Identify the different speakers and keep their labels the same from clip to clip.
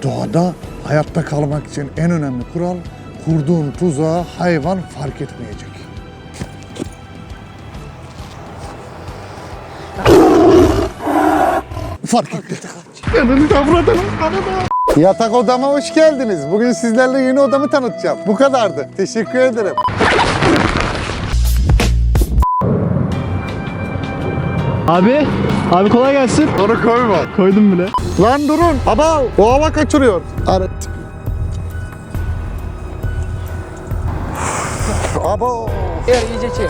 Speaker 1: Doğada hayatta kalmak için en önemli kural, kurduğun tuzağı hayvan fark etmeyecek. Fark etti. Yatak odama hoş geldiniz. Bugün sizlerle yeni odamı tanıtacağım. Bu kadardı. Teşekkür ederim.
Speaker 2: Abi kolay gelsin.
Speaker 1: Onu koyma.
Speaker 2: Koydum bile.
Speaker 1: Lan durun. Aba o hava kaçırıyor. Aba.
Speaker 3: İyice çevir.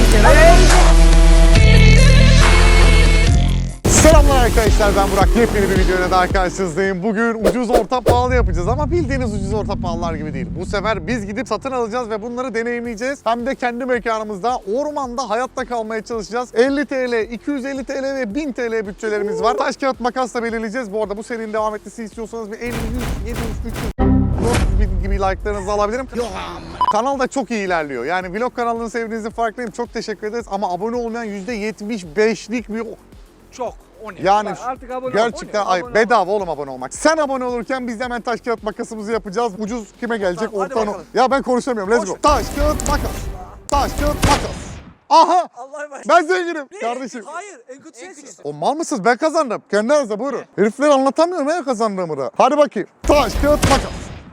Speaker 1: Selamlar arkadaşlar, ben Burak. Yepyeni bir videoyla daha karşınızdayım. Bugün ucuz orta pahalı yapacağız ama bildiğiniz ucuz orta pahalılar gibi değil. Bu sefer biz gidip satın alacağız ve bunları deneyimleyeceğiz. Hem de kendi mekanımızda, ormanda hayatta kalmaya çalışacağız. 50 TL, 250 TL ve 1000 TL bütçelerimiz var. Taş kağıt makasla belirleyeceğiz. Bu arada bu serinin devam etmesini istiyorsanız bir 50, 100, 700, 300, 400 bin gibi like'larınızı alabilirim. Kanal da çok iyi ilerliyor. Yani vlog kanalını sevdiğinizin farkındayım. Çok teşekkür ederiz ama abone olmayan %75'lik bir...
Speaker 3: Çok. O ne?
Speaker 1: Yani
Speaker 3: Artık abone ol.
Speaker 1: gerçekten bedava oğlum abone olmak. Sen abone olurken biz de hemen taş kağıt makasımızı yapacağız. Ucuz kime gelecek?
Speaker 3: Tamam, hadi
Speaker 1: Orta
Speaker 3: bakalım.
Speaker 1: Ya ben konuşamıyorum. Let's go. Taş kağıt makas. Taş kağıt makas. Aha!
Speaker 3: Allah'a emanet.
Speaker 1: Ben zenginim kardeşim.
Speaker 3: Hayır, en kötü sensin.
Speaker 1: O mal mısınız? Ben kazandım. Kendi aranızda buyurun. Herifler anlatamıyorum ya kazandığımı da. Hadi bakayım. Taş kağıt makas.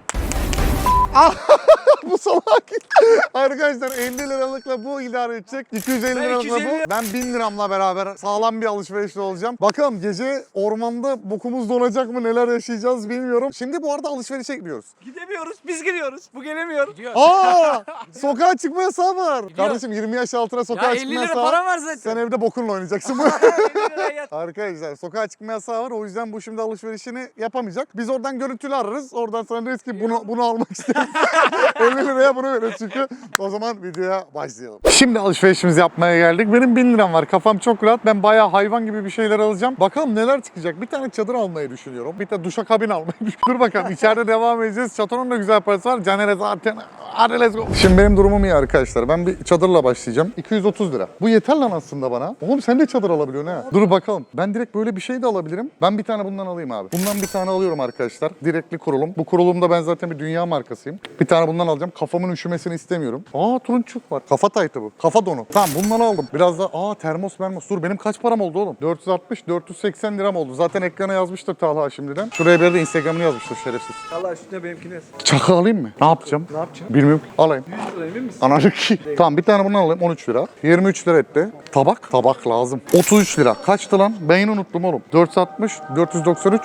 Speaker 1: Bu salak. Arkadaşlar 50 liralıkla bu idare edecek. 250 liralıkla bu. Ben 1000 liramla beraber sağlam bir alışverişle olacağım. Bakalım gece ormanda bokumuz donacak mı, neler yaşayacağız bilmiyorum. Şimdi bu arada alışverişe gidiyoruz.
Speaker 3: Gidemiyoruz, biz gidiyoruz. Bu gelemiyor.
Speaker 1: Aa! Sokağa çıkma yasağı var. Kardeşim 20 yaş altına sokağa
Speaker 3: Ya
Speaker 1: çıkma
Speaker 3: 50 lira
Speaker 1: yasağı var.
Speaker 3: param var zaten.
Speaker 1: Sen evde bokunla oynayacaksın.
Speaker 3: 50 liraya yat.
Speaker 1: Arkadaşlar sokağa çıkma yasağı var. O yüzden bu şimdi alışverişini yapamayacak. Biz oradan görüntülü ararız. Oradan sonra deriz ki bunu almak istiyoruz. 50 liraya bunu veririz çünkü. O zaman videoya başlayalım. Şimdi alışverişimizi yapmaya geldik. Benim 1000 liram var. Kafam çok rahat. Ben bayağı hayvan gibi bir şeyler alacağım. Bakalım neler çıkacak. Bir tane çadır almayı düşünüyorum. Bir de duşakabin almayı düşünüyorum. Dur bakalım. İçeride devam edeceğiz. Çatonun da güzel parası var. Caner'e zaten. Hadi let's go. Şimdi benim durumum iyi arkadaşlar. Ben bir çadırla başlayacağım. 230 lira. Bu yeter lan aslında bana. Oğlum sen de çadır alabiliyorsun ha. Dur bakalım. Ben direkt böyle bir şey de alabilirim. Ben bir tane bundan alayım abi. Bundan bir tane alıyorum arkadaşlar. Direktli kurulum. Bu kurulumda ben zaten bir dünya markasıyım. Bir tane bundan alacağım. Kafamın üşümesini istemiyorum. Aa turunçuk var. Kafa taytı bu. Kafa donu. Tamam bundan aldım. Biraz da termos. Dur benim kaç param oldu oğlum? 460-480 liram oldu. Zaten ekrana yazmıştır Talha şimdiden. Şuraya bir de Instagram'ını yazmıştır şerefsiz.
Speaker 3: Allah üstüne benimkini yaz.
Speaker 1: Çakı alayım mı? Ne yapacağım?
Speaker 3: Ne yapacaksın?
Speaker 1: Bilmiyorum. Alayım.
Speaker 3: 100 lira emin misin?
Speaker 1: Anacık. Tamam bir tane bundan alayım 13 lira. 23 lira etti. Tabak. Tabak lazım. 33 lira. Kaçtı lan? Ben yine unuttum oğlum. 460, 493.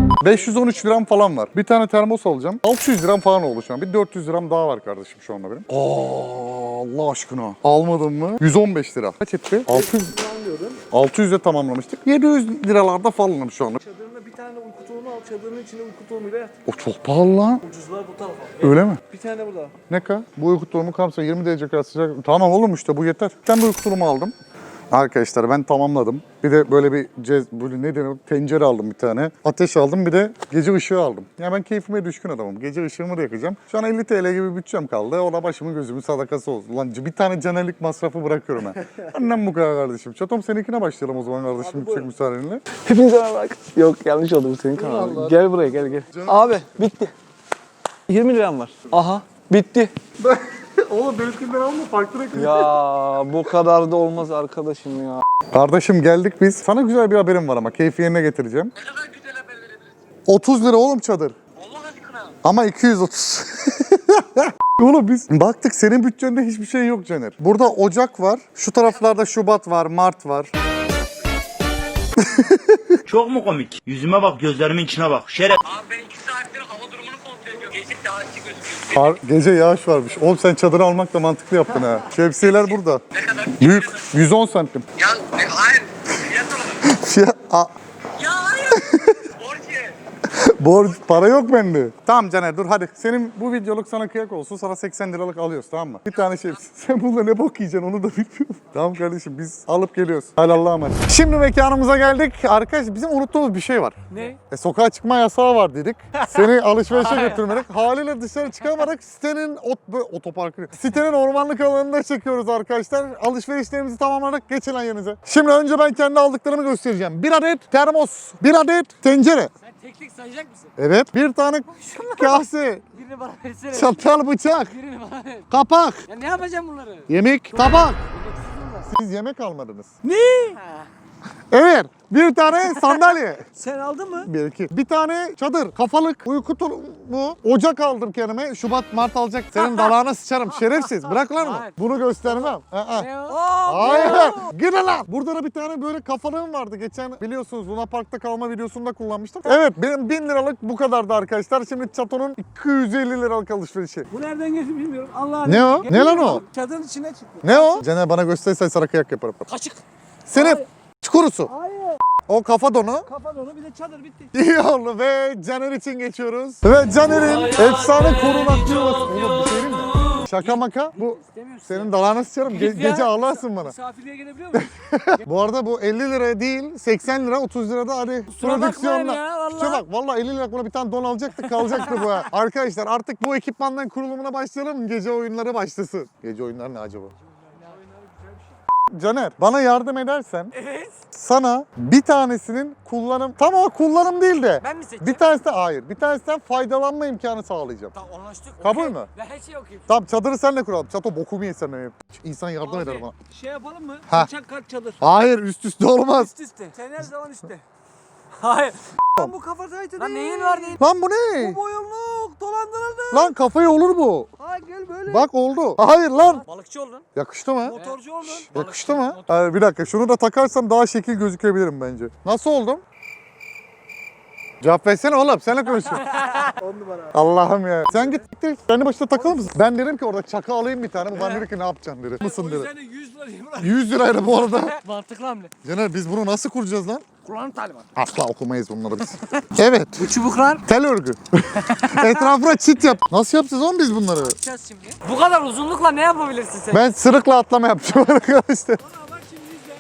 Speaker 1: 513 liram falan var. Bir tane termos alacağım. 600 liram falan oldu şu an. Bir 400 liram daha var kardeşim şu anda benim. Allah aşkına. Almadım mı? 115 lira. Kaç etti? 600'e tamamlamıştık. 700 liralarda falanım şu anda.
Speaker 3: Çadırında bir tane uyku tulumu al. Çadırın içine uyku tulumuyla yat.
Speaker 1: O çok pahalı lan.
Speaker 3: Ucuzluğa bu tarafa.
Speaker 1: Öyle mi?
Speaker 3: Bir tane burada.
Speaker 1: Ne kadar? Bu uyku tulumu kamsa 20 derece kadar sıcak. Tamam oğlum işte bu yeter. Ben de uyku tulumu aldım. Arkadaşlar ben tamamladım. Bir de böyle bir böyle ne denir? Tencere aldım bir tane. Ateş aldım bir de gece ışığı aldım. Ya ben keyfime düşkün adamım. Gece ışığımı da yakacağım. Şu an 50 TL gibi bütçem kaldı. O da başımın gözümün sadakası olsun. Lan bir tane canerlik masrafı bırakıyorum ben. Annem bu kadar kardeşim. Çatom seninkine başlayalım o zaman kardeşim. Yüksek müsaadenle.
Speaker 2: Hepinize merhaba. Yok yanlış oldu bu senin kanalın. Gel buraya gel. Abi bitti. 20 liram var. Aha bitti.
Speaker 1: Oğlum benimkinden alma farklı renk.
Speaker 2: Ya bu kadar da olmaz arkadaşım ya.
Speaker 1: Kardeşim geldik biz. Sana güzel bir haberim var ama keyfi yerine getireceğim.
Speaker 3: Ne kadar güzel haber verebilirsin.
Speaker 1: 30 lira oğlum çadır.
Speaker 3: Allah aşkına.
Speaker 1: Ama 230. Oğlum biz baktık senin bütçende hiçbir şey yok Caner. Burada Ocak var. Şu taraflarda Şubat var, Mart var.
Speaker 4: Çok mu komik? Yüzüme bak, gözlerimin içine bak. Şeref.
Speaker 3: Abi ben 2 saattir hava durumunu kontrol ediyorum. Gece daha açık gözüküyor.
Speaker 1: Gece yağış varmış. Oğlum sen çadırı almak da mantıklı yaptın ha. Şemsiyeler burada.
Speaker 3: Ne kadar?
Speaker 1: Büyük. 110 santim.
Speaker 3: Ya hayır. Fiyat alalım.
Speaker 1: Fiyat...
Speaker 3: Ya hayır. Borç
Speaker 1: Borç, para yok bende. Tamam Caner dur hadi. Senin bu videoluk sana kıyak olsun. Sana 80 liralık alıyoruz tamam mı? Bir tane şey. Sen bununla ne bok yiyeceksin onu da bilmiyorum. Tamam kardeşim biz alıp geliyoruz. Hadi Allah'a emanet. Şimdi mekanımıza geldik. Arkadaş bizim unuttuğumuz bir şey var.
Speaker 3: Ne?
Speaker 1: Sokağa çıkma yasağı var dedik. Seni alışverişe götürmedik. Haliyle dışarı çıkamadık. Sitenin ormanlık alanında çekiyoruz arkadaşlar. Alışverişlerimizi tamamladık. Geçin lan yerinize. Şimdi önce ben kendi aldıklarımı göstereceğim. Bir adet termos, bir adet tencere.
Speaker 3: Sen
Speaker 5: Tek sayacak mısın?
Speaker 1: Evet. Bir tane kase,
Speaker 5: Birini bana versene.
Speaker 1: çatal, bıçak,
Speaker 5: Birini bana ver.
Speaker 1: kapak,
Speaker 5: Ya ne yapacağım bunları?
Speaker 1: yemek, tabak.
Speaker 5: Yemeksiz bunlar.
Speaker 1: Siz yemek almadınız.
Speaker 5: Ha.
Speaker 1: Evet. Bir tane sandalye.
Speaker 2: Sen aldın mı?
Speaker 1: Bir tane çadır, kafalık, uyku tulumu, ocak aldım kendime. Şubat, Mart alacak. Senin dalağına sıçarım şerefsiz. Bırak lan onu.
Speaker 5: Hayır.
Speaker 1: Bunu göstermem. Aa.
Speaker 5: Ne o?
Speaker 1: Hayır. Gidin lan. Burada da bir tane böyle kafalığım vardı. Geçen biliyorsunuz Luna Park'ta kalma videosunda kullanmıştım. Evet benim 1000 liralık bu kadardı arkadaşlar. Şimdi Çato'nun 250 liralık alışverişi.
Speaker 2: Bu nereden geçti bilmiyorum. Allah
Speaker 1: Ne o? Ne lan o?
Speaker 2: Çadırın içine çıktı.
Speaker 1: Ne o? Caner bana gösterirsen sana kıyak yaparım.
Speaker 5: Kaşık.
Speaker 1: Senin çukurusu.
Speaker 2: Hayır.
Speaker 1: O kafa donu.
Speaker 2: Kafa donu bir de çadır bitti.
Speaker 1: İyi oldu ve Caner için geçiyoruz. Ve Caner'in efsane korunaklı yuvası. Oğlum bir şey diyeyim mi? Şaka maka bu
Speaker 5: İstemiyorsun.
Speaker 1: senin dalağına sıçarım.
Speaker 5: Git ya.
Speaker 1: Gece ağlarsın bana.
Speaker 5: Misafirliğe gelebiliyor muyum?
Speaker 1: Bu arada bu 50 liraya değil 80 lira 30 lirada hadi
Speaker 5: Kusura bakmayın
Speaker 1: prodüksiyonla.
Speaker 5: ya, vallahi.
Speaker 1: Şuna bak vallahi 50 lira buna bir tane don alacaktık kalacaktı bu ha. Arkadaşlar artık bu ekipmandan kurulumuna başlayalım. Gece oyunları başlasın. Gece oyunları ne acaba? Caner bana yardım edersen sana bir tanesinin kullanım tam o kullanım değil de
Speaker 5: Ben mi seçeceğim?
Speaker 1: bir tanesi hayır bir tanesinden faydalanma imkanı sağlayacağım.
Speaker 5: Tamam anlaştık.
Speaker 1: Kabul
Speaker 5: okey.
Speaker 1: mü?
Speaker 5: Ben her şeyi okuyayım.
Speaker 1: Tamam çadırı senle kuralım. Çato bokumu yesen öyle. İnsan yardım
Speaker 2: Abi,
Speaker 1: eder bana.
Speaker 2: Şey yapalım mı?
Speaker 1: Ha.
Speaker 2: Uçak kat çadır.
Speaker 1: Hayır üst üste olmaz.
Speaker 5: Üst üste.
Speaker 2: Sen her zaman üstte.
Speaker 5: Hayır.
Speaker 2: Lan bu kafa saytı
Speaker 5: Lan
Speaker 2: değil.
Speaker 5: neyin var neyin?
Speaker 1: Lan bu ne?
Speaker 2: Bu boyunluk dolandırıldı.
Speaker 1: Lan kafaya olur bu.
Speaker 2: Ha gel böyle.
Speaker 1: Bak oldu. Hayır lan.
Speaker 5: Balıkçı oldun.
Speaker 1: Yakıştı mı?
Speaker 2: Motorcu oldun.
Speaker 1: Yakıştı mı? Bir dakika şunu da takarsam daha şekil gözükebilirim bence. Nasıl oldum? Cevap versene oğlum seninle konuşuyorum.
Speaker 2: 10 numara.
Speaker 1: Allah'ım ya. Sen git git. Kendi başına takılır mısın? Ben dedim ki orada çaka alayım bir tane. Bu bana dedi ki ne yapacaksın dedi. Mısın
Speaker 2: O
Speaker 1: dedi.
Speaker 2: yüzden de 100 lira diyeyim lan.
Speaker 1: 100 liraydı bu arada.
Speaker 5: Mantıklı hamle.
Speaker 1: Caner biz bunu nasıl kuracağız lan?
Speaker 5: Kullanım talimatı.
Speaker 1: Asla okumayız bunları biz. Evet.
Speaker 5: Bu çubuklar
Speaker 1: Tel örgü. Etrafına çit yap. Nasıl yapacağız oğlum biz bunları?
Speaker 5: yapacağız şimdi. Bu kadar uzunlukla ne yapabilirsin sen?
Speaker 1: Ben sırıkla atlama yapacağım arkadaşlar.
Speaker 2: Bak şimdi izle.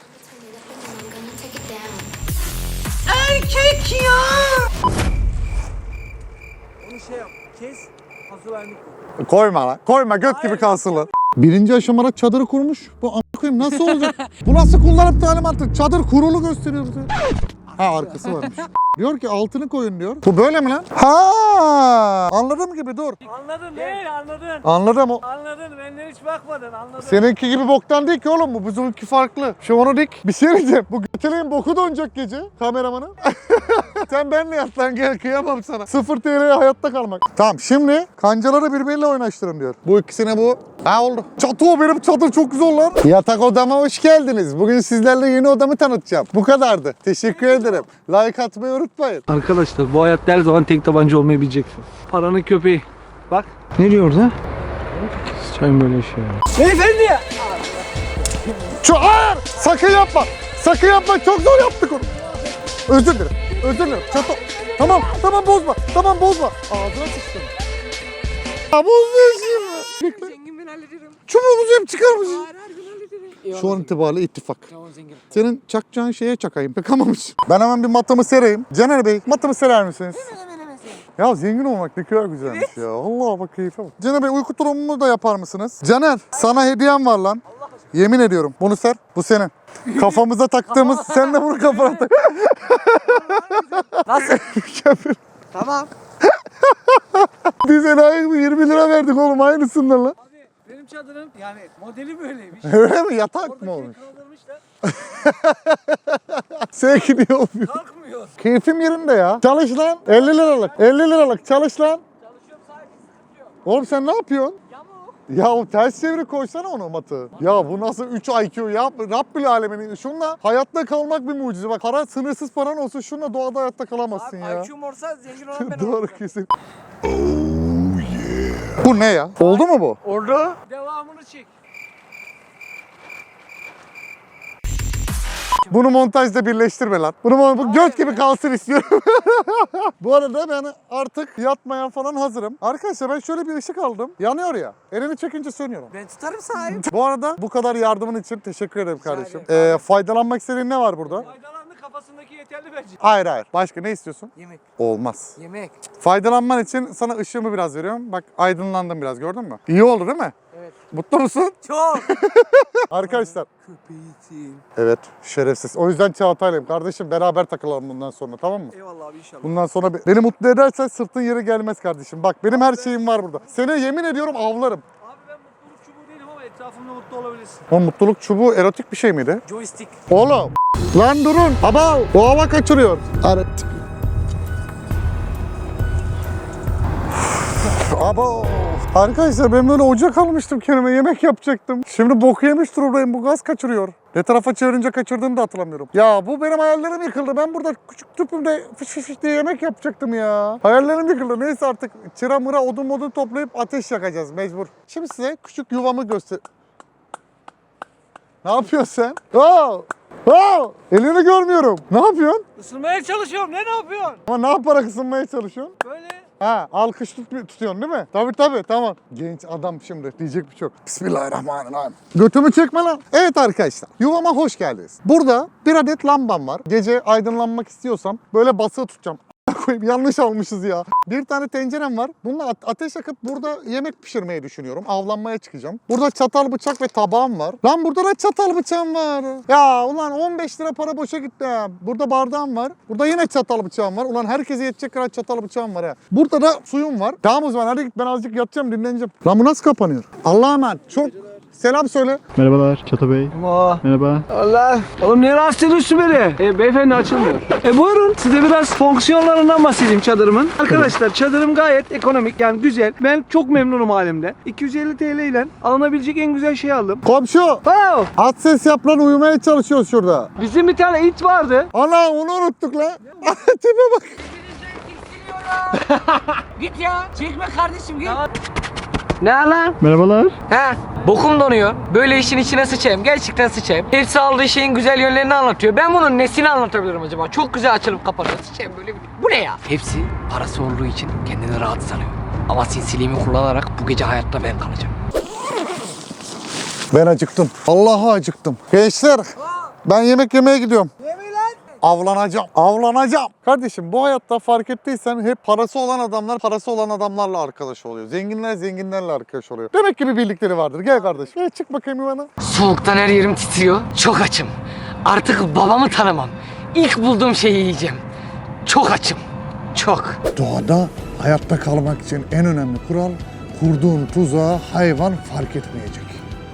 Speaker 2: Onu şey yap. Kes. Hazır halini koy.
Speaker 1: Koyma lan. Koyma göt gibi kalsın lan. Birinci aşamada çadırı kurmuş. Bu a**ına koyayım nasıl olacak? Bu nasıl kullanım talimatı? Çadır kurulu gösteriyor. Ha arkası varmış. Diyor ki altını koyun diyor. Bu böyle mi lan? Ha anladım gibi dur.
Speaker 2: Anladın değil anladın.
Speaker 1: Anladım o.
Speaker 2: Anladın benden hiç bakmadın anladın.
Speaker 1: Seninki gibi boktan değil ki oğlum bu. Bizimki farklı. Şu onu dik. Bir şey diyeceğim. Bu göteleğin boku donacak gece kameramanın. Sen benle yat lan gel kıyamam sana. 0 TL'ye hayatta kalmak. Tamam şimdi kancaları birbiriyle oynaştırın diyor. Bu ikisine bu. Ha oldu. Çatı benim çadır çok güzel lan. Yatak odama hoş geldiniz. Bugün sizlerle yeni odamı tanıtacağım. Bu kadardı. Teşekkür ederim. Like atmayı unutmayın.
Speaker 2: Arkadaşlar bu hayatta her zaman tek tabanca olmayı bileceksin. Paranın köpeği. Bak. Ne diyor orada? Sıçayım böyle şey. Beyefendi ya.
Speaker 1: Hayır! Sakın yapma. Sakın yapma. Çok zor yaptık onu. Özür dilerim. Özür dilerim. Çato. Tamam. Tamam bozma. Tamam bozma. Ağzına sıçtım. Ya bozma şimdi.
Speaker 5: Zengin ben hallederim.
Speaker 1: Çubuğumuzu hep çıkarmışsın.
Speaker 5: Hayır her gün hallederim.
Speaker 1: Şu an itibariyle ittifak.
Speaker 5: Tamam zengin.
Speaker 1: Senin çakacağın şeye çakayım. Pek amamış. Ben hemen bir matımı sereyim. Caner Bey matımı serer misiniz? Ya zengin olmak ne kadar güzelmiş ya. Allah bak keyfe bak. Caner Bey uyku tulumumu da yapar mısınız? Caner sana hediyem var lan. Yemin ediyorum. Bunu ser. Bu senin. Kafamıza taktığımız sen de bunu kafana tak.
Speaker 5: Nasıl?
Speaker 1: Mükemmel.
Speaker 5: Tamam.
Speaker 1: Biz enayi 20 lira verdik oğlum aynısından lan.
Speaker 2: Abi benim çadırım yani modeli böyleymiş.
Speaker 1: Öyle mi? Yatak mı olmuş?
Speaker 2: Oradaki kaldırmışlar.
Speaker 1: Sevki diye olmuyor.
Speaker 2: Kalkmıyor.
Speaker 1: Keyfim yerinde ya. Çalış lan. 50 liralık. 50 liralık. Çalış lan.
Speaker 2: Çalışıyorum sahibi sıkıntı yok.
Speaker 1: Oğlum sen ne yapıyorsun?
Speaker 2: Yamuk.
Speaker 1: Ya o ters çeviri koysana onu matı. Ya bu nasıl 3 IQ ya? Rabbül alemin. Şunla hayatta kalmak bir mucize. Bak para sınırsız paran olsun şunla doğada hayatta kalamazsın
Speaker 5: Abi
Speaker 1: ya.
Speaker 5: IQ'm olsa zengin olan ben
Speaker 1: Doğru
Speaker 5: olurum.
Speaker 1: kesin. Bu ne ya? Oldu mu bu?
Speaker 5: Orada.
Speaker 2: Devamını çek.
Speaker 1: Bunu montajda birleştirme lan. Bu göt gibi kalsın istiyorum. Bu arada ben artık yatmaya falan hazırım. Arkadaşlar ben şöyle bir ışık aldım. Yanıyor ya. Elini çekince sönüyor.
Speaker 5: Ben tutarım sahip.
Speaker 1: Bu arada bu kadar yardımın için teşekkür ederim kardeşim.
Speaker 5: ederim.
Speaker 1: Faydalanmak istediğin ne var burada?
Speaker 2: Faydalarını kafasına aşamasındaki yeterli bence.
Speaker 1: Hayır hayır. Başka ne istiyorsun?
Speaker 5: Yemek.
Speaker 1: Olmaz.
Speaker 5: Yemek.
Speaker 1: Faydalanman için sana ışığımı biraz veriyorum. Bak aydınlandım biraz, gördün mü? İyi oldu değil mi?
Speaker 5: Evet.
Speaker 1: Mutlu musun?
Speaker 5: Çok.
Speaker 1: Arkadaşlar.
Speaker 5: Köpeğisin.
Speaker 1: Evet, şerefsiz. O yüzden Çağatay'layım. Kardeşim beraber takılalım bundan sonra, tamam mı?
Speaker 2: Eyvallah abi inşallah.
Speaker 1: Bundan sonra beni mutlu edersen sırtın yeri gelmez kardeşim. Bak benim her şeyim var burada. Seni yemin ediyorum avlarım.
Speaker 2: Abi ben mutluluk çubuğu değilim ama etrafımda mutlu olabilirsin.
Speaker 1: O mutluluk çubuğu erotik bir şey miydi?
Speaker 5: Joystick.
Speaker 1: Oğlum. Lan durun. Baba o hava kaçırıyor. Evet. Abo. Arkadaşlar ben böyle ocak almıştım kendime, yemek yapacaktım. Şimdi boku yemiş durumdayım, bu gaz kaçırıyor. Ne tarafa çevirince kaçırdığını da hatırlamıyorum. Ya bu benim hayallerim yıkıldı. Ben burada küçük tüpümde fış fış fış diye yemek yapacaktım ya. Hayallerim yıkıldı. Neyse artık çıra mıra odun toplayıp ateş yakacağız mecbur. Şimdi size küçük yuvamı göster... Ne yapıyorsun sen? Elini görmüyorum. Ne yapıyorsun?
Speaker 2: Isınmaya çalışıyorum. Ne yapıyorsun?
Speaker 1: Ama ne yaparak ısınmaya çalışıyorsun?
Speaker 2: Böyle.
Speaker 1: Ha, alkış tutuyorsun değil mi? Tabii tamam. Genç adam şimdi diyecek bir şey yok. Bismillahirrahmanirrahim. Götümü çekme lan. Evet arkadaşlar, yuvama hoş geldiniz. Burada bir adet lambam var. Gece aydınlanmak istiyorsam böyle basığı tutacağım. Koyayım, yanlış almışız ya. Bir tane tencerem var. Bununla ateş yakıp burada yemek pişirmeyi düşünüyorum. Avlanmaya çıkacağım. Burada çatal, bıçak ve tabağım var. Lan burada da çatal bıçağım var. Ya ulan 15 lira para boşa gitti ha. Burada bardağım var. Burada yine çatal bıçağım var. Ulan herkese yetecek kadar çatal bıçağım var ha. Burada da suyum var. Tamam o zaman hadi git, ben azıcık yatacağım, dinleneceğim. Lan bu nasıl kapanıyor? Allah'a emanet. Çok selam söyle.
Speaker 6: Merhabalar Çato Bey. Merhaba.
Speaker 2: Allah. Oğlum niye rahatsız ediyorsun beni? Beyefendi açılmıyor. Buyurun size biraz fonksiyonlarından bahsedeyim çadırımın. Arkadaşlar çadırım gayet ekonomik, yani güzel. Ben çok memnunum halimde. 250 TL ile alınabilecek en güzel şeyi aldım.
Speaker 1: Komşu.
Speaker 2: Wow.
Speaker 1: Az ses yap lan, uyumaya çalışıyoruz şurada.
Speaker 2: Bizim bir tane it vardı.
Speaker 1: Ana onu unuttuk lan. Tipe bak.
Speaker 5: Git ya. Çekme kardeşim git.
Speaker 2: Ne lan?
Speaker 6: Merhabalar.
Speaker 5: He. Bokum donuyor. Böyle işin içine sıçayım. Gerçekten sıçayım. Hepsi aldığı şeyin güzel yönlerini anlatıyor. Ben bunun nesini anlatabilirim acaba? Çok güzel açılıp kapanıyor. Sıçayım böyle bir... Bu ne ya? Hepsi parası olduğu için kendini rahat sanıyor. Ama sinsiliğimi kullanarak bu gece hayatta ben kalacağım.
Speaker 1: Ben acıktım. Allah'a acıktım. Gençler, ben yemek yemeye gidiyorum. Avlanacağım. Kardeşim bu hayatta fark ettiysen hep parası olan adamlar parası olan adamlarla arkadaş oluyor. Zenginler zenginlerle arkadaş oluyor. Demek ki bir bildikleri vardır. Gel kardeşim. Gel çık bakayım yuvana.
Speaker 5: Soğuktan her yerim titriyor. Çok açım. Artık babamı tanımam. İlk bulduğum şeyi yiyeceğim. Çok açım. Çok.
Speaker 1: Doğada hayatta kalmak için en önemli kural, kurduğun tuzağa hayvan fark etmeyecek.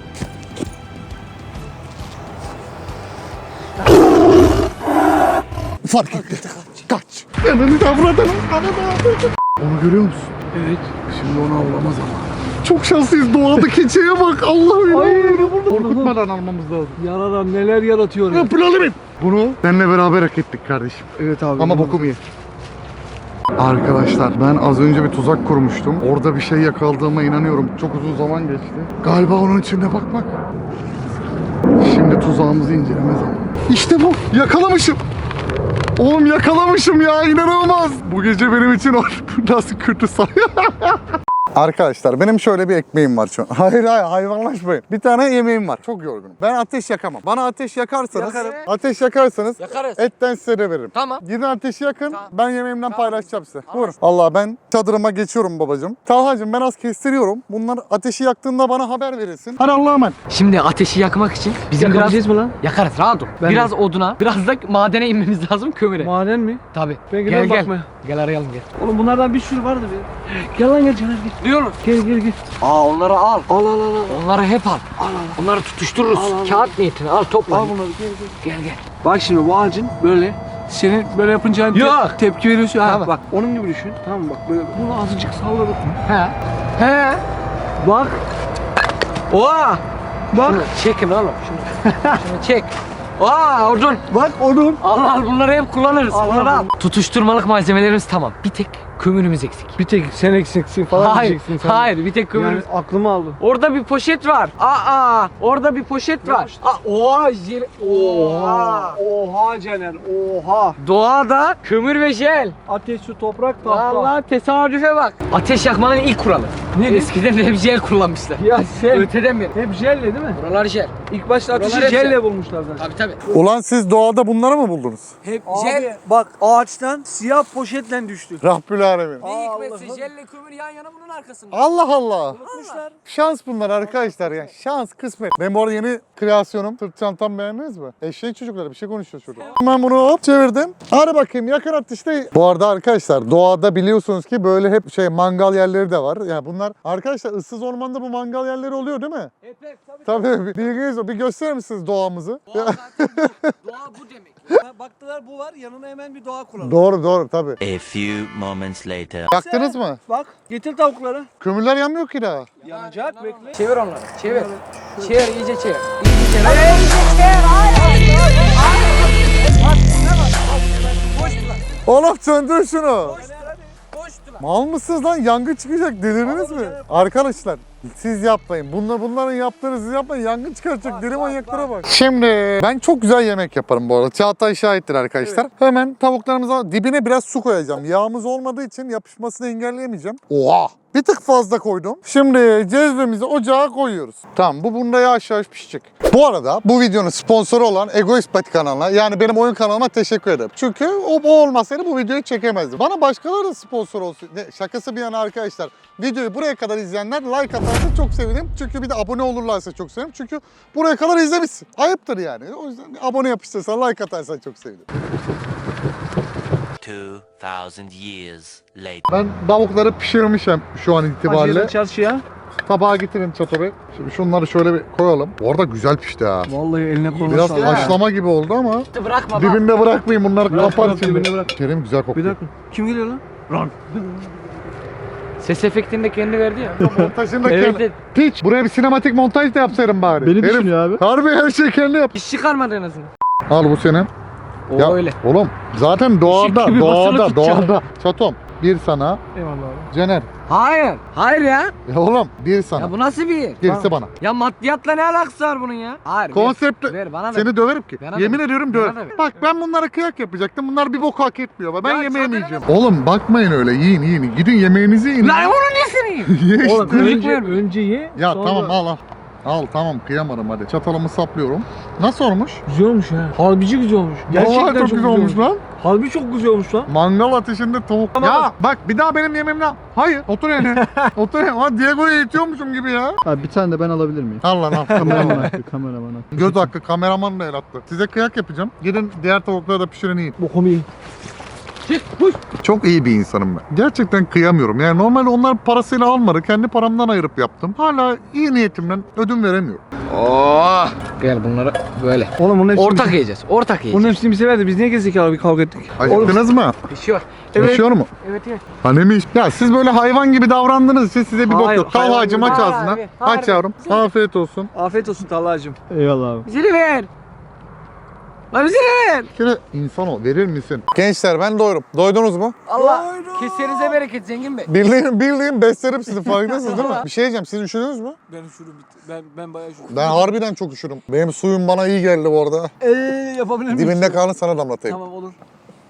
Speaker 1: Fark etti. Kaç. Yanını davradın. Onu görüyor musun?
Speaker 2: Evet.
Speaker 1: Şimdi onu avlamaz ama. Çok şanslıyız. Doğada keçiye bak. Allah'ım.
Speaker 2: Hayır.
Speaker 1: Korkutmadan almamız lazım.
Speaker 2: Yaradan neler yaratıyor ya.
Speaker 1: Yapılalım. Bunu seninle beraber hak ettik kardeşim.
Speaker 2: Evet abi.
Speaker 1: Ama bokum ye. Arkadaşlar ben az önce bir tuzak kurmuştum. Orada bir şey yakaladığıma inanıyorum. Çok uzun zaman geçti. Galiba onun içinde bak. Şimdi tuzağımızı inceleme zamanı. İşte bu. Yakalamışım. Oğlum yakalamışım ya, inanılmaz. Bu gece benim için nasıl kötü say. Arkadaşlar benim şöyle bir ekmeğim var şu an. Hayır hayvanlaşmayın. Bir tane yemeğim var. Çok yorgunum. Ben ateş yakamam. Bana ateş yakarsanız,
Speaker 5: Yakarız.
Speaker 1: etten size de veririm.
Speaker 5: Tamam.
Speaker 1: Gidin ateşi yakın.
Speaker 5: Tamam.
Speaker 1: Ben yemeğimden paylaşacağım size. Buyurun. Allah, ben çadırıma geçiyorum babacığım. Talhacığım ben az kestiriyorum. Bunlar ateşi yaktığında bana haber verilsin. Hadi Allah'a emanet.
Speaker 5: Şimdi ateşi yakmak için bizim biraz...
Speaker 2: Yakalayacağız mı lan?
Speaker 5: Yakarız, rahat ol.
Speaker 2: Ben
Speaker 5: Biraz oduna, biraz da madene inmemiz lazım, kömüre.
Speaker 2: Maden mi?
Speaker 5: Tabii.
Speaker 2: Ben
Speaker 5: Gel
Speaker 2: gidelim
Speaker 5: gel.
Speaker 2: bakmaya.
Speaker 5: Gel arayalım gel.
Speaker 2: Oğlum bunlardan bir sürü vardı be. Gel lan gel Caner gel.
Speaker 5: Diyoruz.
Speaker 2: Gel.
Speaker 5: Aa onları al.
Speaker 2: Al.
Speaker 5: Onları hep al. Onları tutuştururuz. Kağıt niyetine al topla.
Speaker 2: Al bunları gel.
Speaker 5: Gel.
Speaker 2: Bak şimdi bu ağacın böyle senin böyle yapınca hani
Speaker 5: Yok.
Speaker 2: tepki veriyorsun. Ha,
Speaker 5: Tamam.
Speaker 2: bak onun gibi düşün. Tamam mı? Bak böyle bunu azıcık salladık.
Speaker 5: He.
Speaker 2: Bak. Oha. Bak.
Speaker 5: Şunu çekin oğlum. Şunu çek. Aa odun.
Speaker 2: Bak onun.
Speaker 5: Al bunları hep kullanırız.
Speaker 2: Al,
Speaker 5: Bunları
Speaker 2: al.
Speaker 5: al. Tutuşturmalık malzemelerimiz tamam. Bir tek kömürümüz eksik.
Speaker 2: Bir tek sen eksiksin falan
Speaker 5: Hayır.
Speaker 2: diyeceksin sen.
Speaker 5: Hayır bir tek kömürümüz.
Speaker 2: Yani aklımı aldın.
Speaker 5: Orada bir poşet var. Orada bir poşet var. Oha.
Speaker 2: Oha Caner. Oha.
Speaker 5: Doğada kömür ve jel.
Speaker 2: Ateş, su, toprak, tahta.
Speaker 5: Allah tesadüfe bak. Ateş yakmanın ilk kuralı.
Speaker 2: Ne?
Speaker 5: Eskiden hep jel kullanmışlar.
Speaker 2: Ya sen
Speaker 5: Öteden beri.
Speaker 2: hep jelle değil mi?
Speaker 5: Buralar jel.
Speaker 2: İlk başta ateşi
Speaker 5: Buralar hep
Speaker 2: jelle
Speaker 5: jel.
Speaker 2: bulmuşlar zaten.
Speaker 5: Tabii tabii.
Speaker 1: Ulan siz doğada bunları mı buldunuz?
Speaker 2: Hep
Speaker 5: Jel.
Speaker 2: abi bak ağaçtan siyah poşetle düştü.
Speaker 1: Rabbül alemin.
Speaker 5: Ne hikmetse
Speaker 2: Allah'ım.
Speaker 5: jelle kömür yan yana bunun arkasında.
Speaker 1: Allah Allah.
Speaker 2: Unutmuşlar.
Speaker 1: Şans bunlar arkadaşlar ya. Şans, kısmet. Ben bu arada yeni kreasyonum. Sırt çantam beğendiniz mi? Eşeğin çocukları bir şey konuşuyor şurada. Ben bunu hop çevirdim. Hadi bakayım yakın atışta. Bu arada arkadaşlar doğada biliyorsunuz ki böyle hep mangal yerleri de var. Yani bunlar arkadaşlar ıssız ormanda bu mangal yerleri oluyor değil mi?
Speaker 2: Hep tabii.
Speaker 1: Tabii bilginiz o. Bir gösterir misiniz doğamızı?
Speaker 5: Doğa zaten bu. Doğa bu demek.
Speaker 2: Baktılar bu var yanına hemen bir doğa kuralım.
Speaker 1: Doğru tabii.
Speaker 4: A few moments later.
Speaker 1: Yaktınız mı?
Speaker 2: Bak getir tavukları.
Speaker 1: Kömürler yanmıyor ki daha.
Speaker 2: Yanacak bekle.
Speaker 5: Çevir onları. Çevir. Çevir iyice çevir. İyice çevir. İyice çevir.
Speaker 1: Oğlum söndür şunu.
Speaker 5: Boştu lan.
Speaker 1: Mal mısınız lan? Yangın çıkacak. Delirdiniz mi? Arkadaşlar siz yapmayın. Bunların yaptığını siz yapmayın. Yangın çıkaracak. Deli manyaklara bak. Şimdi ben çok güzel yemek yaparım bu arada. Çağatay şahittir arkadaşlar. Hemen tavuklarımıza dibine biraz su koyacağım. Yağımız olmadığı için yapışmasını engelleyemeyeceğim. Oha! Bir tık fazla koydum. Şimdi cezvemizi ocağa koyuyoruz. Tamam bu bunda yavaş yavaş pişecek. Bu arada bu videonun sponsoru olan Egoist Pati kanalına yani benim oyun kanalıma teşekkür ederim. Çünkü o olmasaydı bu videoyu çekemezdim. Bana başkaları da sponsor olsun. Şakası bir yana arkadaşlar. Videoyu buraya kadar izleyenler like atarsa çok sevinirim. Çünkü bir de abone olurlarsa çok sevinirim. Çünkü buraya kadar izlemişsin. Ayıptır yani. O yüzden abone yapıştırsan like atarsan çok sevinirim.
Speaker 4: 2000 years later.
Speaker 1: Ben tavukları pişirmişim şu an itibariyle.
Speaker 2: Acıyla çarşıya.
Speaker 1: Tabağa getirin Çato Bey. Şimdi şunları şöyle bir koyalım. Bu arada güzel pişti ha.
Speaker 2: Vallahi eline koluna
Speaker 1: Biraz
Speaker 2: sağlık.
Speaker 1: haşlama gibi oldu ama
Speaker 5: Bırakma bak.
Speaker 1: dibinde bırakmayın bunları
Speaker 2: Bırak,
Speaker 1: kapar
Speaker 2: bırak,
Speaker 1: şimdi.
Speaker 2: dibinde bırak.
Speaker 1: Kerim güzel
Speaker 2: Bir
Speaker 1: kokuyor.
Speaker 2: dakika. Kim geliyor lan?
Speaker 5: Ses efektini de kendi verdi ya.
Speaker 1: Montajını da
Speaker 5: Evet,
Speaker 1: kendi.
Speaker 5: evet.
Speaker 1: Piç buraya bir sinematik montaj da yapsaydım bari.
Speaker 6: Beni
Speaker 1: Herif,
Speaker 6: düşünüyor abi.
Speaker 1: harbi her şeyi kendi yap.
Speaker 5: İş çıkarmadı en azından.
Speaker 1: Al bu senin.
Speaker 5: O
Speaker 1: Ya
Speaker 5: öyle.
Speaker 1: oğlum zaten doğada,
Speaker 5: gibi basılı tutacağım.
Speaker 1: doğada. Çatom bir sana,
Speaker 2: Eyvallah abi.
Speaker 1: Cener.
Speaker 5: Hayır. Hayır ya.
Speaker 1: Ya oğlum bir sana.
Speaker 5: Ya bu nasıl bir yer?
Speaker 1: Gerisi bana.
Speaker 5: Ya maddiyatla ne alakası var bunun ya? Hayır.
Speaker 1: Konsepti.
Speaker 5: Ver bana ver.
Speaker 1: Seni döverim ki.
Speaker 5: Bana
Speaker 1: Yemin
Speaker 5: ver.
Speaker 1: ediyorum
Speaker 5: Bana
Speaker 1: döverim.
Speaker 5: ver.
Speaker 1: Bak ben bunlara kıyak yapacaktım. Bunlar bir bok hak etmiyor. Ben
Speaker 5: Ya
Speaker 1: yemeğimi
Speaker 5: çadırına
Speaker 1: yiyeceğim. Oğlum bakmayın öyle. Yiyin. Gidin yemeğinizi yiyin.
Speaker 5: Lan onun nesini yiyeyim?
Speaker 1: Ye işte.
Speaker 2: Oğlum önce ye.
Speaker 1: Ya
Speaker 2: sonra-
Speaker 1: tamam al. Al tamam kıyamadım hadi. Çatalımı saplıyorum. Nasıl olmuş?
Speaker 2: Güzel olmuş ha. Harbici güzel olmuş.
Speaker 1: Vallahi çok güzel olmuş lan.
Speaker 2: Harbi çok güzel olmuş lan.
Speaker 1: Mangal ateşinde tavuk.
Speaker 2: Tamam.
Speaker 1: Ya bak bir daha benim yemeğimden. Hayır otur yani. Otur yani. Lan Diego'yu eğitiyormuşum gibi ya.
Speaker 6: Abi bir tane de ben alabilir miyim?
Speaker 1: Al lan al.
Speaker 6: Kameraman hakkı, kameraman hakkı.
Speaker 1: Göz hakkı kameraman da el attı. Size kıyak yapacağım. Gidin diğer tavukları da pişirin yiyin.
Speaker 2: Bokumu yiyin.
Speaker 1: Çok iyi bir insanım ben. Gerçekten kıyamıyorum. Yani normalde onlar parasıyla almadı. Kendi paramdan ayırıp yaptım. Hala iyi niyetimden ödün veremiyorum.
Speaker 5: Gel bunları böyle.
Speaker 2: Oğlum bunun hepsini
Speaker 5: Ortak
Speaker 2: bize-
Speaker 5: yiyeceğiz. Ortak yiyeceğiz.
Speaker 2: Bunun hepsini bize verdi. Biz niye gezdik bir kavga ettik?
Speaker 1: Acıktınız mı?
Speaker 5: Pişiyor.
Speaker 2: Evet.
Speaker 1: Yaşıyor mu?
Speaker 5: Evet evet.
Speaker 1: Annemiş. Ya siz böyle hayvan gibi davrandığınız için size bir bok
Speaker 2: Hayır,
Speaker 1: yok. Kal
Speaker 2: hayvan
Speaker 1: hacım
Speaker 2: gibi.
Speaker 1: aç
Speaker 5: Hayır
Speaker 1: ağzına.
Speaker 5: abi, hayır.
Speaker 1: Aç yavrum. Afiyet olsun.
Speaker 2: Afiyet olsun Talha'cığım.
Speaker 6: Eyvallah abi.
Speaker 5: Bizi de ver. Lan bizi de ver.
Speaker 1: Şöyle insan ol. Verir misin? Gençler ben doyurum. Doydunuz mu?
Speaker 5: Allah kesenize bereket Zengin Bey.
Speaker 1: Bildiğin beslerim sizi farkındasınız değil mi? Bir şey diyeceğim. Siz üşüdünüz mü?
Speaker 2: Ben üşürüm bitti. Ben bayağı üşürüm.
Speaker 1: Ben harbiden çok üşürüm. Benim suyum bana iyi geldi bu arada.
Speaker 2: Yapabilir miyim?
Speaker 1: Dibinde kalın sana damlatayım.
Speaker 2: Tamam olur.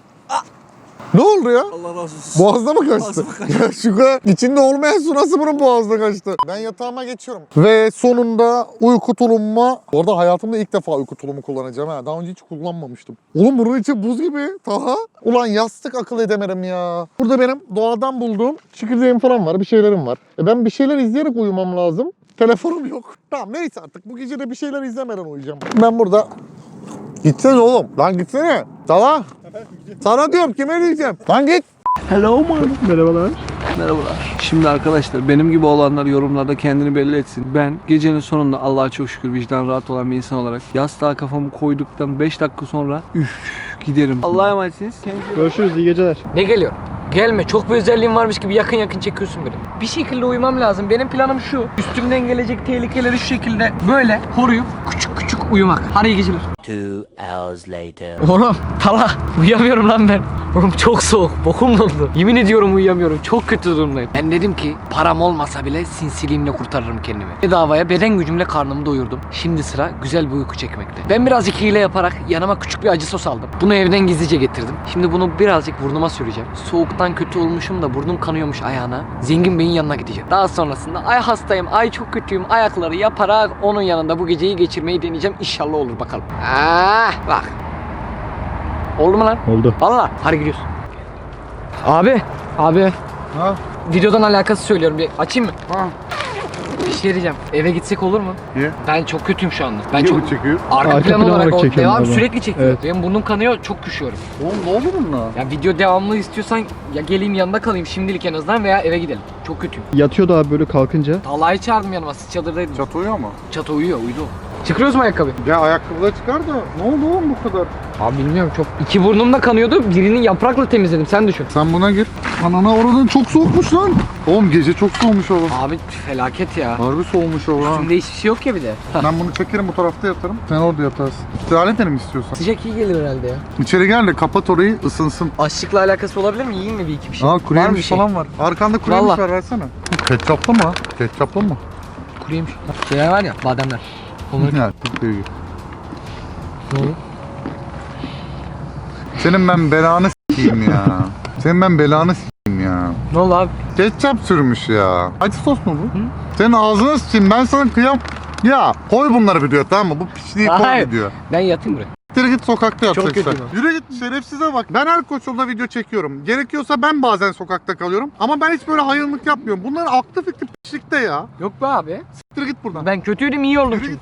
Speaker 1: Ne oldu ya?
Speaker 2: Allah razı olsun.
Speaker 1: Boğazda mı kaçtı? Ya şu kadar içinde olmayan su nasıl bunun boğazda kaçtı? Ben yatağıma geçiyorum. Ve sonunda uyku tulumuma... Orada hayatımda ilk defa uyku tulumu kullanacağım ha. Daha önce hiç kullanmamıştım. Oğlum bunun içi buz gibi. Taha. Ulan yastık akıl edemedim ya. Burada benim doğadan bulduğum çekirdeğim falan var. Bir şeylerim var. Ben bir şeyler izleyerek uyumam lazım. Telefonum yok. Tamam neyse artık. Bu gece de bir şeyler izlemeden uyuyacağım. Ben burada... Gitsene oğlum. Lan gitsene. Taha. Sana diyorum kime diyeceğim. Lan git.
Speaker 2: Hello man.
Speaker 6: Merhabalar.
Speaker 2: Merhabalar. Şimdi arkadaşlar benim gibi olanlar yorumlarda kendini belli etsin. Ben gecenin sonunda Allah'a çok şükür vicdan rahat olan bir insan olarak yastığa kafamı koyduktan 5 dakika sonra giderim. Allah'a emanetsiniz. Kendinize
Speaker 6: Görüşürüz, iyi geceler.
Speaker 5: Ne geliyor? Gelme. Çok bir özelliğin varmış gibi yakın yakın çekiyorsun beni. Bir şekilde uyumam lazım. Benim planım şu. Üstümden gelecek tehlikeleri şu şekilde böyle koruyup küçük küçük uyumak. Hadi iyi geceler.
Speaker 7: 2 hours later.
Speaker 5: Oğlum Tala uyuyamıyorum lan ben. Oğlum çok soğuk, bokum doldu. Yemin ediyorum uyuyamıyorum, çok kötü durumdayım. Ben dedim ki param olmasa bile sinsiliğimle kurtarırım kendimi. Bedavaya beden gücümle karnımı doyurdum. Şimdi sıra güzel bir uyku çekmekte. Ben birazcık hile yaparak yanıma küçük bir acı sos aldım. Bunu evden gizlice getirdim. Şimdi bunu birazcık burnuma süreceğim. Soğuktan kötü olmuşum da burnum kanıyormuş ayağına. Zengin Bey'in yanına gideceğim. Daha sonrasında ay hastayım, ay çok kötüyüm ayakları yaparak onun yanında bu geceyi geçirmeyi deneyeceğim. İnşallah olur bakalım. Bak. Oldu mu lan?
Speaker 6: Oldu.
Speaker 5: Valla. Hadi gidiyoruz. Abi.
Speaker 1: Ha?
Speaker 5: Videodan alakası söylüyorum. Bir açayım mı?
Speaker 1: Ha.
Speaker 5: Bir şey diyeceğim. Eve gitsek olur mu?
Speaker 1: Niye?
Speaker 5: Ben çok kötüyüm şu anda. Ben
Speaker 1: Niye
Speaker 5: çok...
Speaker 1: bu çekiyor?
Speaker 5: Arka
Speaker 6: Arka
Speaker 5: plan
Speaker 6: plan
Speaker 5: olarak
Speaker 6: olarak çekiyorum
Speaker 5: devam
Speaker 6: galiba.
Speaker 5: sürekli çekiyor.
Speaker 6: Evet.
Speaker 5: Benim burnum kanıyor, çok üşüyorum.
Speaker 1: Oğlum ne olur bununla?
Speaker 5: Ya video devamlı istiyorsan ya geleyim yanında kalayım şimdilik en azından veya eve gidelim. Çok kötüyüm.
Speaker 6: Yatıyordu abi böyle kalkınca.
Speaker 5: Talha'yı çağırdım yanıma. Siz çadırdaydım.
Speaker 1: Çat uyuyor mu?
Speaker 5: Çatı uyuyor, uyudu. Çıkıyoruz mu ayakkabı?
Speaker 1: Ya ayakkabıları çıkar da ne oldu oğlum bu kadar?
Speaker 5: Abi bilmiyorum çok. İki burnum da kanıyordu. Birinin yaprakla temizledim. Sen düşün.
Speaker 1: Sen buna gir. Anana oradan çok soğukmuş lan. Oğlum gece çok soğumuş oğlum.
Speaker 5: Abi felaket ya.
Speaker 1: Harbi soğumuş oğlum.
Speaker 5: Üstümde hiçbir şey yok ya bir de.
Speaker 1: Ben bunu çekerim bu tarafta yatarım. Sen orada yatarsın. İstirahat edelim istiyorsan.
Speaker 5: Sıcak iyi gelir herhalde ya.
Speaker 1: İçeri gel de kapat orayı ısınsın.
Speaker 5: Açlıkla alakası olabilir mi? Yiyeyim mi bir iki bir şey?
Speaker 1: Aa
Speaker 5: Var mı
Speaker 1: kuru yemiş
Speaker 5: bir şey?
Speaker 1: falan var. Arkanda kuru yemiş
Speaker 5: Vallahi.
Speaker 1: var versene. Ketçaplı mı? Ketçaplı mı?
Speaker 5: Kuru yemiş. Şeyler var ya bademler. Onları...
Speaker 1: Ya çok iyi.
Speaker 5: Ne oldu?
Speaker 1: Senin ben belanı s**eyim ya. Senin ben belanı s**eyim ya.
Speaker 5: Ne oldu abi?
Speaker 1: Ketçap sürmüş ya. Acı sos mu bu? Senin ağzına s**eyim ben sana kıyam. Ya koy bunları video tamam mı? Bu piçliği koy
Speaker 5: Hayır.
Speaker 1: video.
Speaker 5: Ben yatayım buraya.
Speaker 1: Yürü git sokakta yatacaksın.
Speaker 5: kötüyüm
Speaker 1: Yürü git şerefsize bak. Ben her koşulda video çekiyorum. Gerekiyorsa ben bazen sokakta kalıyorum. Ama ben hiç böyle hayırlık yapmıyorum. Bunların aklı fikri piçlikte ya.
Speaker 5: Yok be abi.
Speaker 1: Yürü git buradan.
Speaker 5: Ben kötüydüm iyi oldum
Speaker 1: Yürü
Speaker 5: çünkü.
Speaker 1: git.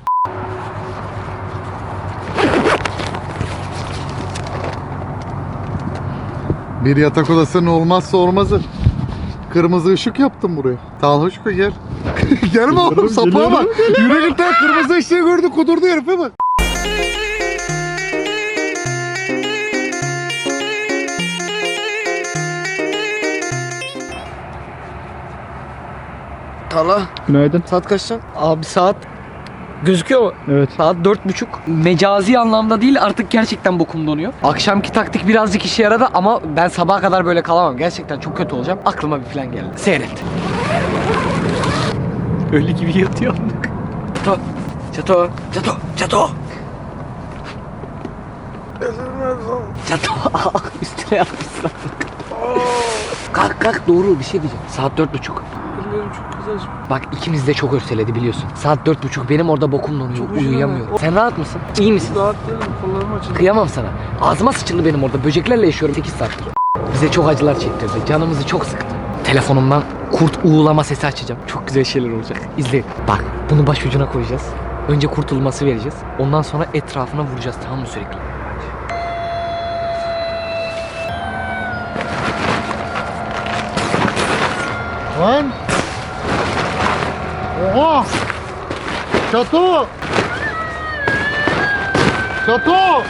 Speaker 1: Bir yatak odasının olmazsa olmazı. Kırmızı ışık yaptım buraya. Talhoşko gel. Gelme oğlum sapığa bak. Yürü git lan kırmızı ışığı gördü kudurdu herife bak.
Speaker 5: Tala.
Speaker 6: Günaydın.
Speaker 5: Saat kaç lan? Abi saat gözüküyor mu?
Speaker 6: Evet.
Speaker 5: Saat 4.30. Mecazi anlamda değil artık gerçekten bokum donuyor. Akşamki taktik birazcık işe yaradı ama ben sabaha kadar böyle kalamam. Gerçekten çok kötü olacağım. Aklıma bir plan geldi. Seyret. Öyle gibi yatıyor. Çato. Çato. Çato. Çato. Çato. Üstüne yapmışsın. Kalk kalk doğru bir şey diyeceğim. Saat 4.30. Bak ikimiz de çok örseledi biliyorsun. Saat 4.30 benim orada bokum donuyor. Uyuyamıyorum. Sen rahat mısın? İyi misin? Rahat değilim. Kollarım açıldı. Kıyamam sana. Ağzıma sıçıldı benim orada. Böceklerle yaşıyorum 8 saattir. Bize çok acılar çektirdi. Canımızı çok sıktı. Telefonumdan kurt uğulama sesi açacağım. Çok güzel şeyler olacak. İzleyin. Bak bunu başucuna koyacağız. Önce kurtulması vereceğiz. Ondan sonra etrafına vuracağız tamam mı sürekli?
Speaker 1: Lan. Oha. Çato. Çato.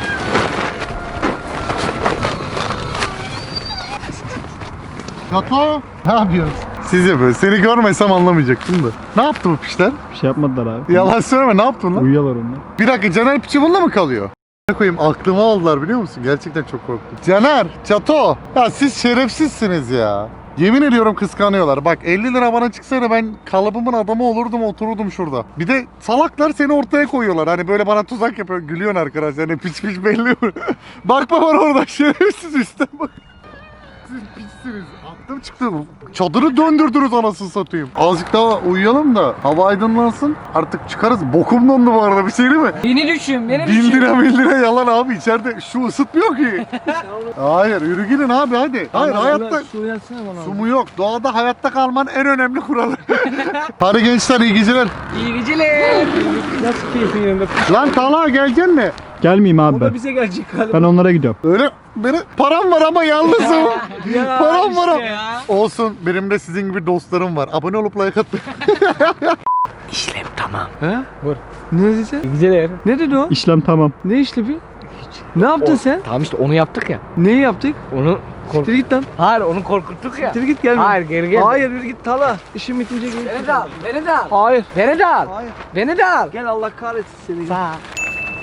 Speaker 1: Çato. Ne yapıyorsun? Siz yapıyorsunuz. Seni görmesem anlamayacaktım da. Ne yaptı bu piçler?
Speaker 6: Bir şey yapmadılar abi.
Speaker 1: Yalan söyleme ne yaptın lan?
Speaker 6: Uyuyorlar onlar.
Speaker 1: Bir dakika Caner piçi bununla mı kalıyor? Ne koyayım aklımı aldılar biliyor musun? Gerçekten çok korktum. Caner, Çato. Ya siz şerefsizsiniz ya. Yemin ediyorum kıskanıyorlar. Bak 50 lira bana çıksaydı ben kalıbımın adamı olurdum otururdum şurada. Bir de salaklar seni ortaya koyuyorlar. Hani böyle bana tuzak yapıyor. Gülüyorsun arkadaşlar. Hani piç piç belli. Bakma bana orada şerefsiz üstten bak. Siz piçsiniz. Aklım çıktı. Çadırı döndürdünüz anasını satayım. Azıcık daha uyuyalım da hava aydınlansın. Artık çıkarız. Bokum dondu bu arada bir şey değil mi?
Speaker 5: Beni düşün, beni
Speaker 1: 1000 lira 1000 lira yalan abi içeride şu ısıtmıyor ki. Hayır yürü gidin abi hadi. Hayır hayatta
Speaker 2: Su yatsana bana.
Speaker 1: su mu yok. Doğada hayatta kalmanın en önemli kuralı. Hadi gençler iyi geceler.
Speaker 5: İyi geceler.
Speaker 2: Nasıl keyfin yerinde?
Speaker 1: Lan Talha geleceksin mi?
Speaker 6: Gelmeyeyim abi
Speaker 2: O da
Speaker 6: ben.
Speaker 2: bize gelecek galiba.
Speaker 6: Ben onlara gidiyorum.
Speaker 1: Öyle benim param var ama yalnızım.
Speaker 2: Ya
Speaker 1: Param var ama.
Speaker 2: işte ya.
Speaker 1: Olsun benim de sizin gibi dostlarım var. Abone olup like atın.
Speaker 5: İşlem tamam.
Speaker 2: He? Var. Ne dedi? Geceler. Ne dedi o?
Speaker 6: İşlem tamam.
Speaker 2: Ne işlevi? Ne yaptın sen?
Speaker 5: Tamam işte onu yaptık ya.
Speaker 2: Neyi yaptık?
Speaker 5: Onu
Speaker 2: Siktir git lan.
Speaker 5: Hayır onu korkuttuk ya.
Speaker 2: Siktir git gelme.
Speaker 5: Hayır geri gel.
Speaker 2: Hayır yürü git Tala. İşim bitince gel.
Speaker 5: Beni de al. Beni de al.
Speaker 2: Hayır.
Speaker 5: Beni de al.
Speaker 2: Hayır.
Speaker 5: Beni de al.
Speaker 2: Gel Allah kahretsin seni.
Speaker 5: Sağ.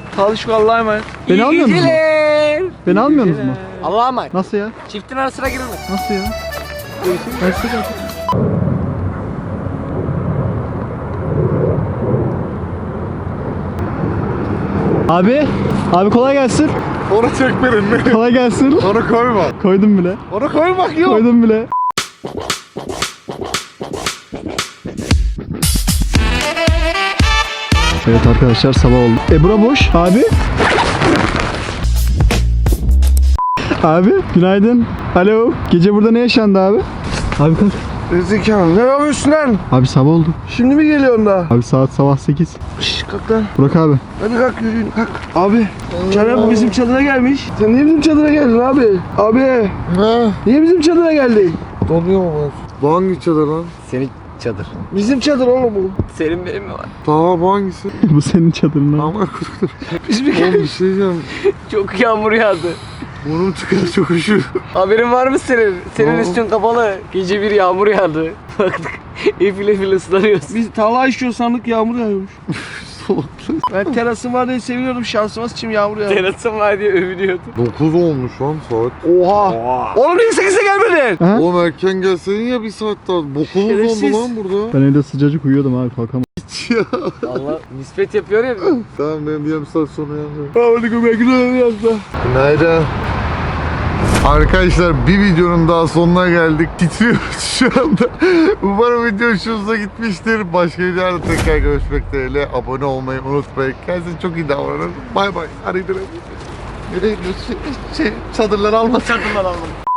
Speaker 2: Talişko Allah'a emanet.
Speaker 6: Beni
Speaker 5: İyi
Speaker 6: almıyor musun?
Speaker 5: geceler.
Speaker 6: Beni almıyor musunuz mu?
Speaker 5: Allah'a emanet.
Speaker 6: Nasıl ya?
Speaker 5: Çiftin arasına girilmez.
Speaker 6: Nasıl ya? Versene artık. Abi kolay gelsin.
Speaker 1: Onu çekmeyin.
Speaker 6: Kolay gelsin.
Speaker 1: Onu koyma.
Speaker 6: Koydum bile.
Speaker 1: Onu koymak yok.
Speaker 6: Koydum bile. Evet arkadaşlar sabah oldu. Bura boş. Abi. Abi günaydın. Alo. Gece burada ne yaşandı abi? Abi kalk.
Speaker 2: Zekalı ne yapıyorsun lan?
Speaker 6: Abi sabah oldu.
Speaker 2: Şimdi mi geliyorsun da?
Speaker 6: Abi saat sabah 8.
Speaker 2: Şşş kalk lan.
Speaker 6: Burak abi.
Speaker 2: Hadi kalk yürüyün kalk. Abi Caner bizim çadıra gelmiş. Sen niye bizim çadıra geldin abi? Abi
Speaker 1: Ne?
Speaker 2: niye bizim çadıra geldin?
Speaker 1: Donuyor mu? Bu hangi çadır lan?
Speaker 5: Senin çadır.
Speaker 2: Bizim çadır oğlum bu.
Speaker 5: Senin benim mi var?
Speaker 1: Tamam bu hangisi?
Speaker 6: Bu senin çadırın abi.
Speaker 1: Ama
Speaker 2: Biz bir
Speaker 1: oğlum bir şey diyeceğim.
Speaker 5: Çok yağmur yağdı.
Speaker 1: Burnum çıkıyor çok üşür.
Speaker 5: Haberin var mı senin? Senin
Speaker 1: Aa.
Speaker 5: üstün kapalı. Gece bir yağmur yağdı. Baktık. Efil efil ıslanıyoruz.
Speaker 2: Biz tava işiyor sandık yağmur yağıyormuş. Ben terasım var diye seviniyordum şansıma sıçayım yağmur yağıyor.
Speaker 5: Terasım var diye övünüyordu.
Speaker 1: 9 olmuş lan saat.
Speaker 2: Oha. Oğlum niye 8'e gelmedin?
Speaker 6: Ha?
Speaker 1: Oğlum erken gelseydin ya bir saat daha. Bokumuz
Speaker 2: Şerefsiz.
Speaker 1: dondu lan burada.
Speaker 6: Ben evde sıcacık uyuyordum abi kalkamam.
Speaker 5: Allah nispet yapıyor ya.
Speaker 1: Tamam benim bir yarım saat sonra yanıyorum.
Speaker 2: Hadi göbek yazdı.
Speaker 1: Günaydın. Arkadaşlar bir videonun daha sonuna geldik. Titriyoruz şu anda. Umarım video hoşunuza gitmiştir. Başka videolarda tekrar görüşmek dileğiyle. Abone olmayı unutmayın. Kendinize çok iyi davranın. Bay bay. Hadi gidelim. Nereye gidiyorsun? Çadırları alma.
Speaker 5: Çadırlar aldım.